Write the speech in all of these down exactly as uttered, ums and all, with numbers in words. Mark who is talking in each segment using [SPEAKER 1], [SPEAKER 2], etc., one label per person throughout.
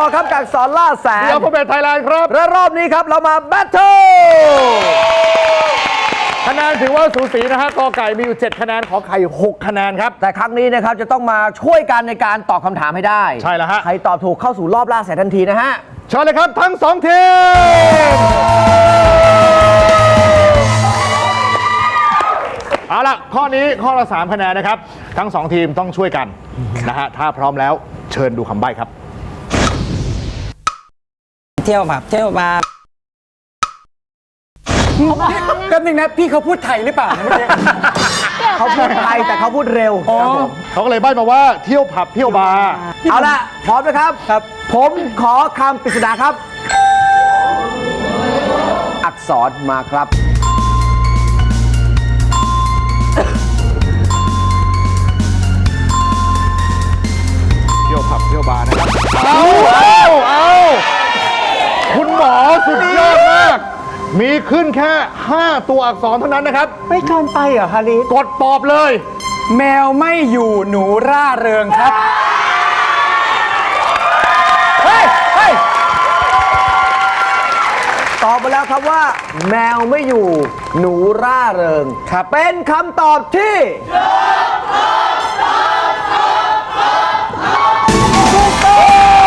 [SPEAKER 1] อครับกับสอนล่าแสน
[SPEAKER 2] เดี๋ยวพ่อเบสไทยแลนด์ครับ
[SPEAKER 1] และรอบนี้ครับเรามาแบทเทิล
[SPEAKER 2] คะแนนถือว่าสูสีนะฮะกอไก่มีอยู่เจ็ดคะแนนขอไข่หกคะแนนครับ
[SPEAKER 1] แต่ครั้งนี้นะครับจะต้องมาช่วยกันในการตอบคำถามให้ได้
[SPEAKER 2] ใช่แล้วฮะ
[SPEAKER 1] ใครตอบถูกเข้าสู่รอบล่าแสนทันทีนะฮะ
[SPEAKER 2] เชิญเลยครับทั้งสองทีมเอาล่ะข้อนี้ข้อละสามคะแนนนะครับทั้งสองทีมต้องช่วยกันนะฮะถ้าพร้อมแล้วเชิญดูคำใบ้ครับ
[SPEAKER 3] เที่ยวแบบเที่ยวบาร์
[SPEAKER 4] แป๊บนึงนะพี่เขาพูดไทยหรือเปล่าเมื่อกี้
[SPEAKER 1] เขาพูดไทยแต่เขาพูดเร็วครับผม
[SPEAKER 2] เขาก็เลยใบ้มาว่าเที่ยวผับเที่ยวบาร์
[SPEAKER 1] เอาละพร้อมนะครับครับ ผมขอคำปริศนาครับ อักษรมาครับ
[SPEAKER 2] เที่ยวผับเที่ยวบาร์นะครับเอาเอาเอาคุณหมอสุดยอดมาก มีขึ้นแค่ ห้า ตัวอักษรเท่านั้นนะครับ
[SPEAKER 4] ไม่เกินไปเหรอฮาริส
[SPEAKER 2] กดตอบเลย
[SPEAKER 4] แมวไม่อยู่หนูร่าเริงครับ
[SPEAKER 1] เฮ้ย เฮ้ย ตอบมาแล้วครับว่า แมวไม่อยู่หนูร่าเริงครับเป็นคำตอบที่ถูกต้อง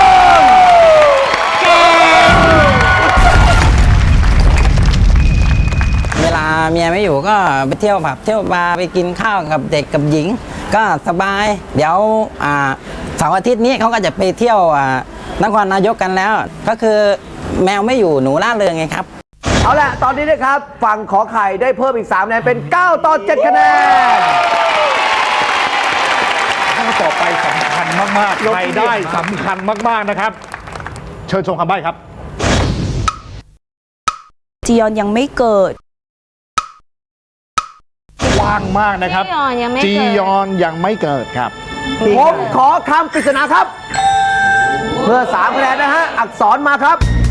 [SPEAKER 3] เวลาเมียไม่อยู่ก็ไปเที่ยวผับเที่ยวบาร์ไปกินข้าวกับเด็กกับหญิง ก็สบาย เดี๋ยวอ่าเสาร์อาทิตย์นี้เขาก็จะไปเที่ยวอ่านครนายกกันแล้ว ก็คือแมวไม่อยู่หนูร่าเริงไงครับ
[SPEAKER 1] เอาละตอนนี้นะครับฝั่งขอไข่ได้เพิ่มอีกสามคะแนนเป็นเก้าต่อเจ็ดคะแนน
[SPEAKER 2] ข้อต่อไปสำคัญมากๆรายได้สำคัญมากๆนะครับ เชิญชมคำใบ้ครับ
[SPEAKER 5] จียอนยังไม่เกิด
[SPEAKER 2] กว้างมากนะครับ
[SPEAKER 6] จียอนยังไม่เกิด
[SPEAKER 2] จียอนยังไม่เกิดครับ
[SPEAKER 1] ผมขอคำปริศนาครับ เพื่อสามคะแนนนะฮะ อักษรมาครับ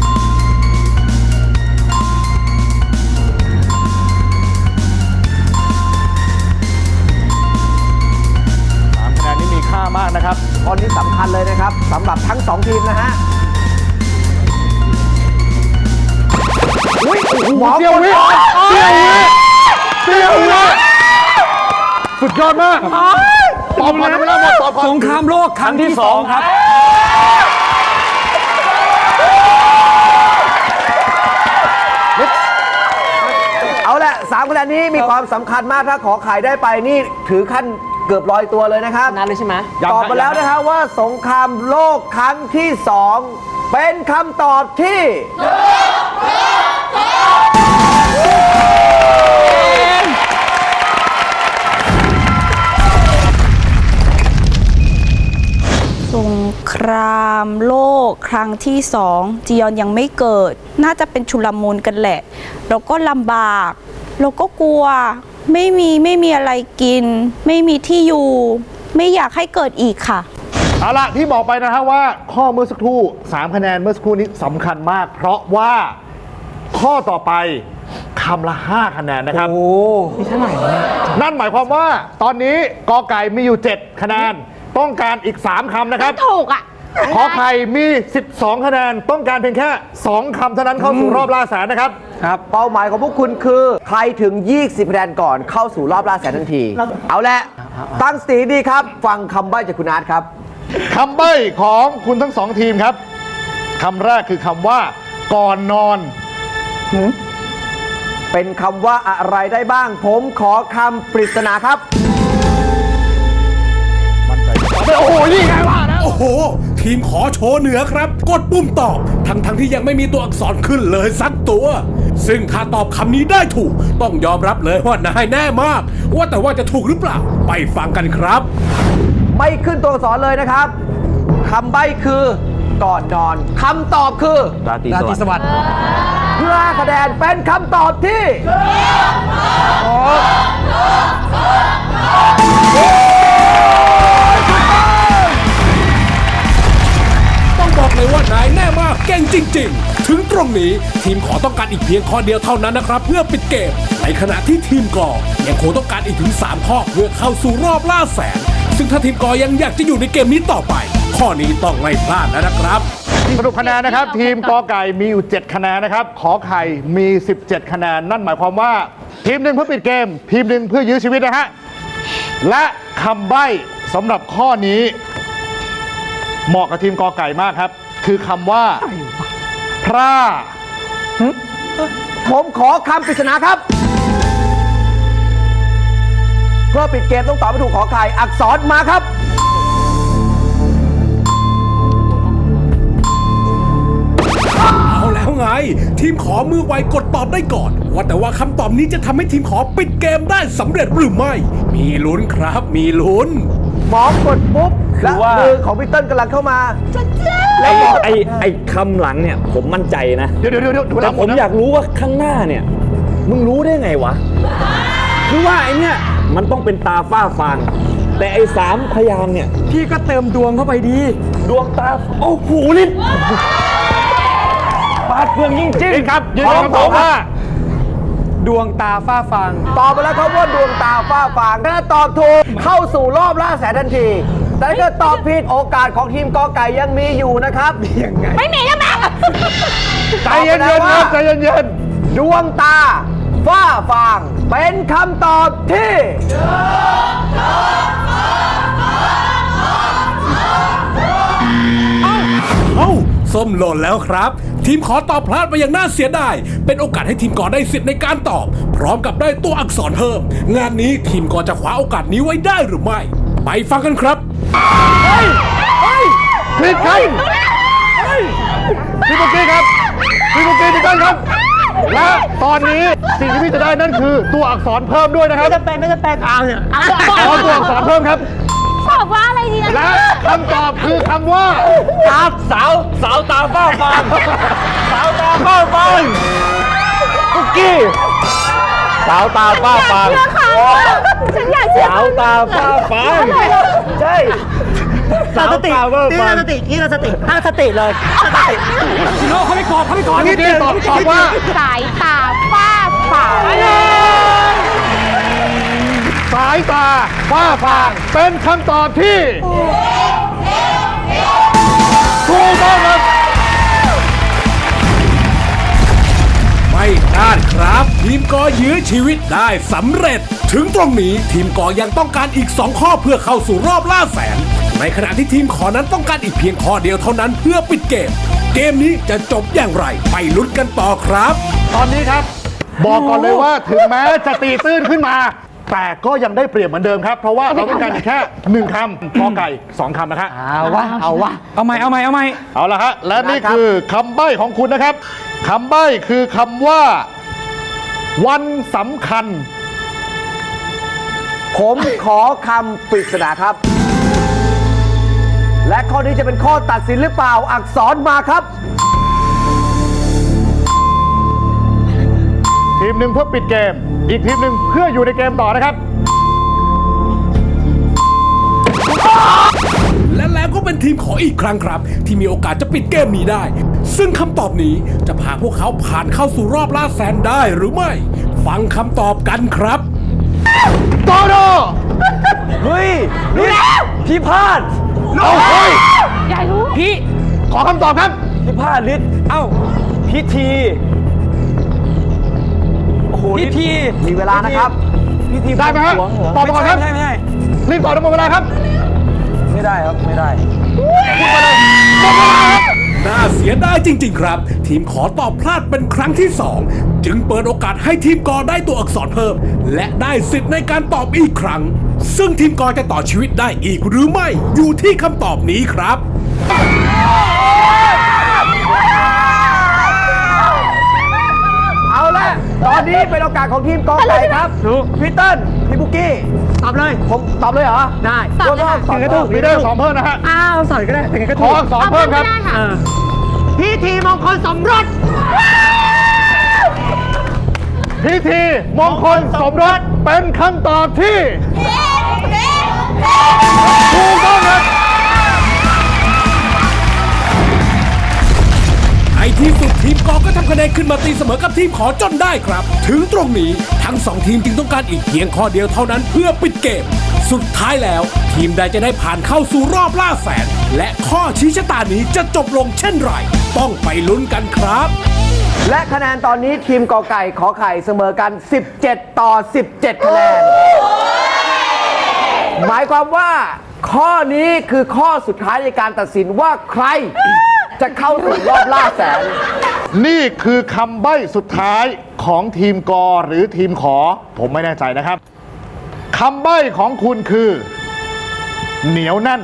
[SPEAKER 2] สามคะแนนนี้มีค่ามากนะครับ
[SPEAKER 1] ตอนนี้สำคัญเลยนะครับสำหรับทั้งสองทีมนะฮะอุ้ยหมอ
[SPEAKER 2] เสี้ยววิเสี้ยววิเสี้ยววิสุดยอดมากตอบก่อนนะไม่ได้หมดตอบก่อน
[SPEAKER 4] สงครามโลกครั้งที่สองครับ
[SPEAKER 1] เอาละสามคะแนนนี้มีความสำคัญมากถ้าขอไข่ได้ไปนี่ถือขั้นเกือบร้อยตัวเลยนะครับ
[SPEAKER 4] นั่นเลยใช่ไหม
[SPEAKER 2] ยัง
[SPEAKER 1] ตอบมาแล้วนะฮะว่าสงครามโลกครั้งที่สองเป็นคำตอบที่
[SPEAKER 5] สงครามโลกครั้งที่สองจียอนยังไม่เกิด น่าจะเป็นชุลมุนกันแหละ เราก็ลำบากเราก็กลัว ไม่มีไม่มีอะไรกิน ไม่มีที่อยู่ ไม่อยากให้เกิดอีกค่ะ
[SPEAKER 2] เอาล่ะที่บอกไปนะฮะว่าข้อเมื่อสักครู่สามคะแนนเมื่อสักครู่นี้สำคัญมาก เพราะว่าข้อต่อไปคำละห้าคะแนนนะครับ
[SPEAKER 4] โอ้นี่เท่าไหร่เนี่ย
[SPEAKER 2] นั่นหมายความว่าตอนนี้กอไก่มีอยู่เจ็ดคะแนนต้องการอีกสามคำนะครับ
[SPEAKER 6] ถูกอ่ะ
[SPEAKER 2] ขอไข่มีสิบสองคะแนนต้องการเพียงแค่สองคำเท่านั้นเข้าสู่รอบล่าแสนนะครับ
[SPEAKER 1] ครับเป้าหมายของพวกคุณคือ ใครถึง ยี่สิบคะแนนก่อนเข้าสู่รอบล่าแสนทันที เอาละตั้งสติดีครับ ฟังคำใบ้จากคุณอาร์ตครับ
[SPEAKER 2] คำใบ้ของคุณทั้งสองทีมครับคำแรกคือคำว่า ก่อนนอน
[SPEAKER 1] เป็นคำว่าอะไรได้บ้าง ผมขอคำปริศนาครับ
[SPEAKER 2] มั่นใจจะตอบได้
[SPEAKER 7] โอ้โห นี่ไงวะนะ โอ้โห ทีมขอโชว์เหนือครับ กดปุ่มตอบ ทั้งทั้งที่ยังไม่มีตัวอักษรขึ้นเลยสักตัว ซึ่งถ้าตอบคำนี้ได้ถูก ต้องยอมรับเลยว่านายแน่มาก ว่าแต่ว่าจะถูกหรือเปล่า ไปฟังกันครับ
[SPEAKER 1] ไม่ขึ้นตัวอักษรเลยนะครับคำใบ้คือก่อนนอนคำตอบคือ
[SPEAKER 2] ราตรี
[SPEAKER 4] รา
[SPEAKER 2] ส
[SPEAKER 4] ตรี
[SPEAKER 2] วัส
[SPEAKER 4] ส
[SPEAKER 2] ดิ์
[SPEAKER 4] วัสดิ์
[SPEAKER 1] เพื่อคะแนนเป็นคำตอบที่
[SPEAKER 7] ต้องบอกเลยว่านายแน่มากเก่งจริง ๆ ถึงตรงนี้ทีมขอต้องการอีกเพียงข้อเดียวเท่านั้นนะครับ เพื่อปิดเกม ในขณะที่ทีมกอยังคงต้องการอีกถึงสามข้อเพื่อเข้าสู่รอบล่าแสนซึ่งถ้าทีมกอยังอยากจะอยู่ในเกมนี้ต่อไป ข้อนี้ต้องไม่พลาดแล้วนะครับ
[SPEAKER 2] สรุปคะแนนนะครับ ทีมกอไก่มีอยู่ เจ็ด คะแนนนะครับ ขอไข่มี สิบเจ็ด คะแนน นั่นหมายความว่า ทีมหนึ่งเพื่อปิดเกม ทีมหนึ่งเพื่อยื้อชีวิตนะฮะ และคำใบ้สำหรับข้อนี้ เหมาะกับทีมกอไก่มากครับ คือคำว่า พร่า
[SPEAKER 1] ผมขอคำปริศนาครับ เพื่อปิดเกมต้องตอบให้ถูกขอไข่อักษรมาครับ
[SPEAKER 7] เอาแล้วไง ทีมขอมือไวกดตอบได้ก่อน ว่าแต่ว่าคำตอบนี้จะทำให้ทีมขอปิดเกมได้สำเร็จหรือไม่ มีลุ้นครับมีลุ้น
[SPEAKER 1] หมอกดปุ๊บและมือของพี่เติ้ลกำลังเข้ามา
[SPEAKER 6] ไอ้ไอ้ไอ้คำหลังเนี่ยผมมั่นใจนะ
[SPEAKER 2] เดี๋ยวเดี๋ยวเดี๋ยว
[SPEAKER 6] แต่ผมอยากรู้ว่าข้างหน้าเนี่ย มึงรู้ได้ไงวะ คือว่าไอ้เนี่ยมันต้องเป็นตาฝ้าฟาง แต่ไอ้สามพยางค์เนี่ย
[SPEAKER 4] พี่ก็เติมดวงเข้าไปดี
[SPEAKER 6] ดวงตา โอ้โหลิ้นปาดเพื่องยิ่งจริง
[SPEAKER 2] นี่ครับยืนยันคำตอบว่า
[SPEAKER 4] ดวงตาฝ้าฟาง
[SPEAKER 1] ตอบไปแล้วครับว่าดวงตาฝ้าฟางถ้าตอบถูกเข้าสู่รอบล่าแสนทันที แต่ถ้าเกิดตอบผิดโอกาสของทีมกอไก่ยังมีอยู่นะครับยังไง
[SPEAKER 5] ไม่มีแล้วแม่
[SPEAKER 2] ใจเย็นๆครับใจเย็น
[SPEAKER 1] ดวงตาฝ้าฟางเป็นคำตอบที่
[SPEAKER 7] เอ้าส้มหล่นแล้วครับ ทีมขอตอบพลาดไปอย่างน่าเสียดาย เป็นโอกาสให้ทีมกอได้สิทธิ์ในการตอบ พร้อมกับได้ตัวอักษรเพิ่ม งานนี้ทีมกอจะคว้าโอกาสนี้ไว้ได้หรือไม่ ไปฟังกันครับ
[SPEAKER 2] ๆผิดครับพี่ปุ๊กกี้ครับพี่ปุ๊กกี้พี่เติ้ลครับ และตอนนี้สิ่งที่พี่จะได้นั่นคือตัวอักษรเพิ่มด้วยนะครับ
[SPEAKER 5] จะเป็นไม่จะเป็นเอาเนี่ย
[SPEAKER 2] ขอตัวอักษรเพิ่มครับ
[SPEAKER 5] บอกว่าอะไรดีนะ
[SPEAKER 2] และคำตอบคือคำว่า
[SPEAKER 6] ตาสาวสาวตาฝ้าฟางสาวตาฝ้าฟางคุกกี้สาวตาฝ้าฟาง
[SPEAKER 5] ฉันอยากเชื่อ
[SPEAKER 6] สาวตาฝ้าฟางใช่สาวตาฝ้าฟาง
[SPEAKER 2] พี่ปุ๊กกี้ตอบตอบว่า
[SPEAKER 5] สายตาฝ้าฝาง
[SPEAKER 2] สายตาฝ้าฟางเป็นคำตอบที่ถูกต้องครับ
[SPEAKER 7] ไม่พลาดครับ ทีมกอยื้อชีวิตได้สำเร็จ ถึงตรงนี้ทีมกอยังต้องการอีกสองข้อเพื่อเข้าสู่รอบล่าแสน ในขณะที่ทีมขอนั้นต้องการอีกเพียงข้อเดียวเท่านั้นเพื่อปิดเกม เกมนี้จะจบอย่างไรไปลุ้นกันต่อครับ
[SPEAKER 2] ตอนนี้ครับ บอกก่อนเลยว่าถึงแม้จะตีตื้นขึ้นมา แต่ก็ยังได้เปรียบเหมือนเดิมครับ เพราะว่าเราต้องการแค่หนึ่งคำกอไก่สองคำนะครับ
[SPEAKER 4] เอาวะ เอาวะ เอาใหม่ เอาใหม่ เอาใหม่
[SPEAKER 2] เอาละฮะและนี่คือคำใบ้ของคุณนะครับคำใบ้คือคำว่า วันสำคัญ
[SPEAKER 1] ผมขอคำปริศนาครับ และข้อนี้จะเป็นข้อตัดสินหรือเปล่าอักษรมาครับ
[SPEAKER 2] ทีมหนึ่งเพื่อปิดเกม อีกทีมหนึ่งเพื่ออยู่ในเกมต่อนะครับ
[SPEAKER 7] และแล้วก็เป็นทีมขออีกครั้งครับ ที่มีโอกาสจะปิดเกมนี้ได้ ซึ่งคำตอบนี้จะพาพวกเขาผ่านเข้าสู่รอบล่าแสนได้หรือไม่ ฟังคำตอบกันครับ
[SPEAKER 2] โตโด
[SPEAKER 1] เฮ้ยนี่พี่พลาด
[SPEAKER 2] เอาเฮ้ย
[SPEAKER 4] พี่
[SPEAKER 2] ขอคำตอบครับ
[SPEAKER 1] พี่พลาดลิศเอ้า พิธี โอ้โห
[SPEAKER 4] พิธี
[SPEAKER 1] มีเวลานะครับ พิธี
[SPEAKER 2] ได้ไหมฮะ
[SPEAKER 1] บวงสรวงเหรอ
[SPEAKER 2] ตอบมาก่อนครับ
[SPEAKER 4] ไม่ใช่ไม่ใช่
[SPEAKER 2] รีบตอบทั้งหมดเวลาครับ
[SPEAKER 1] ไม่ได้ครับ ไม่ได้
[SPEAKER 7] น่าเสียดายจริง ๆ ครับ ทีมขอตอบพลาดเป็นครั้งที่สองจึงเปิดโอกาสให้ทีมกอได้ตัวอักษรเพิ่ม และได้สิทธิ์ในการตอบอีกครั้ง ซึ่งทีมกอจะต่อชีวิตได้อีกหรือไม่ อยู่ที่คำตอบนี้ครับ
[SPEAKER 1] เอาละตอนนี้เป็นโอกาสของทีมกอไก่ครับพี่เติ้ลพี่บุกกี้
[SPEAKER 4] ตอบเลย
[SPEAKER 1] ผมตอบเลยเหรอ
[SPEAKER 4] ได้
[SPEAKER 1] ตอบได้
[SPEAKER 2] ถึงจะถูกมีได้สองเพิ่มนะฮะ
[SPEAKER 4] อ้าวสอนก็ได้ถึงก็
[SPEAKER 2] ข
[SPEAKER 4] ถู
[SPEAKER 2] อก อักษรเพิ่มครับ
[SPEAKER 4] พิธีมงคลสมรส
[SPEAKER 2] พิธีมงคลสมรสเป็นคำตอบที่ถูกต้องครับ
[SPEAKER 7] ไอที่สุดทีมกอก็ทำคะแนนขึ้นมาตีเสมอกับทีมขอจนได้ครับ ถึงตรงนี้ทั้งสองทีมจึงต้องการอีกเพียงข้อเดียวเท่านั้นเพื่อปิดเกมสุดท้ายแล้ว ทีมใดจะได้ผ่านเข้าสู่รอบล่าแสน และข้อชี้ชะตานี้จะจบลงเช่นไร ต้องไปลุ้นกันครับ
[SPEAKER 1] และคะแนนตอนนี้ทีมกอไก่ขอไข่เสมอกัน สิบเจ็ด ต่อ สิบเจ็ด คะแนน หมายความว่าข้อนี้คือข้อสุดท้ายในการตัดสินว่าใครจะเข้าสู่รอบล่าแสน
[SPEAKER 2] นี่คือคำใบ้สุดท้ายของทีมกอหรือทีมขอ ผมไม่แน่ใจนะครับคำใบ้ของคุณคือ เหนียวแน่น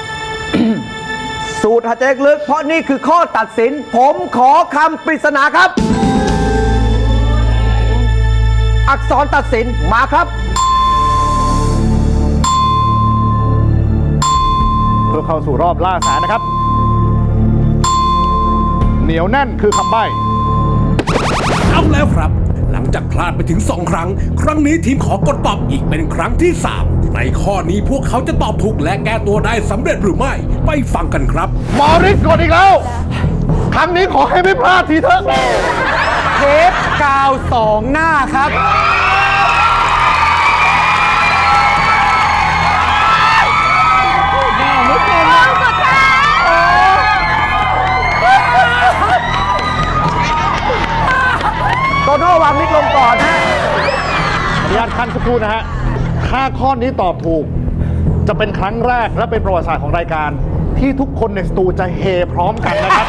[SPEAKER 1] สูตรหายใจลึกเพราะนี่คือข้อตัดสิน ผมขอคำปริศนาครับ อักษรตัดสินมาครับ
[SPEAKER 2] เพื่อเข้าสู่รอบล่าแสนนะครับ เหนียวแน่นคือคำใบ้
[SPEAKER 7] เอาแล้วครับ หลังจากพลาดไปถึง สอง ครั้ง ครั้งนี้ทีมขอกดตอบอีกเป็นครั้งที่ สาม ในข้อนี้พวกเขาจะตอบถูกและแก้ตัวได้สำเร็จหรือไม่ ไปฟังกันครับ
[SPEAKER 2] มอริสกดอีกแล้ว ครั้งนี้ขอให้ไม่พลาดทีเถอะ
[SPEAKER 4] เทปกาวสองหน้าครับ
[SPEAKER 1] โตโน่วางมิดลงก่อนฮะ
[SPEAKER 2] อนุญาตขั้นสักครู่นะฮะ ถ้าข้อนี้ตอบถูก จะเป็นครั้งแรกและเป็นประวัติศาสตร์ของรายการ ที่ทุกคนในสตูจะเฮพร้อมกันนะครับ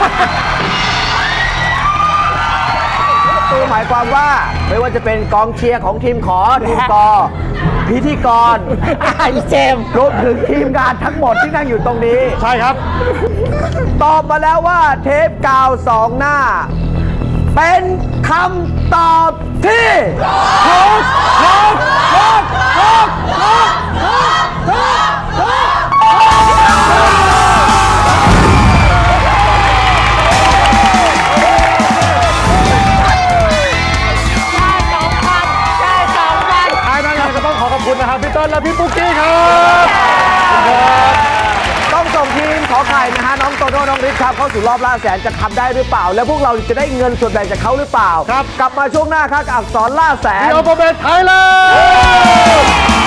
[SPEAKER 1] ตัวหมายความว่าไม่ว่าจะเป็นกองเชียร์ของทีมขอ ทีมกอ พิธีกรไอเจมรวมถึงทีมงานทั้งหมดที่นั่งอยู่ตรงนี้
[SPEAKER 2] ใช่ครับ
[SPEAKER 1] ตอบมาแล้วว่าเทปกาวสองหน้า เป็นคำตอบที่ถูกถูกถูกถูกถูกถูกถูกถูก
[SPEAKER 2] ท้ายนั้นยังก็ต้องขอขอบคุณนะครับพี่เติ้ลและพี่ปุ๊กกี้ครับ
[SPEAKER 1] ต้องส่งทีมขอไข่นะฮะน้องโตโน่น้องฤทธิ์ครับเข้าสู่รอบล่าแสนจะทำได้หรือเปล่า แล้วพวกเราจะได้เงินส่วนแบ่งจากเขาหรือเปล่า
[SPEAKER 2] ครับ
[SPEAKER 1] กลับมาช่วงหน้าครับกับอักษรล่าแสน
[SPEAKER 2] พี่โอปเบตไทยแลนด์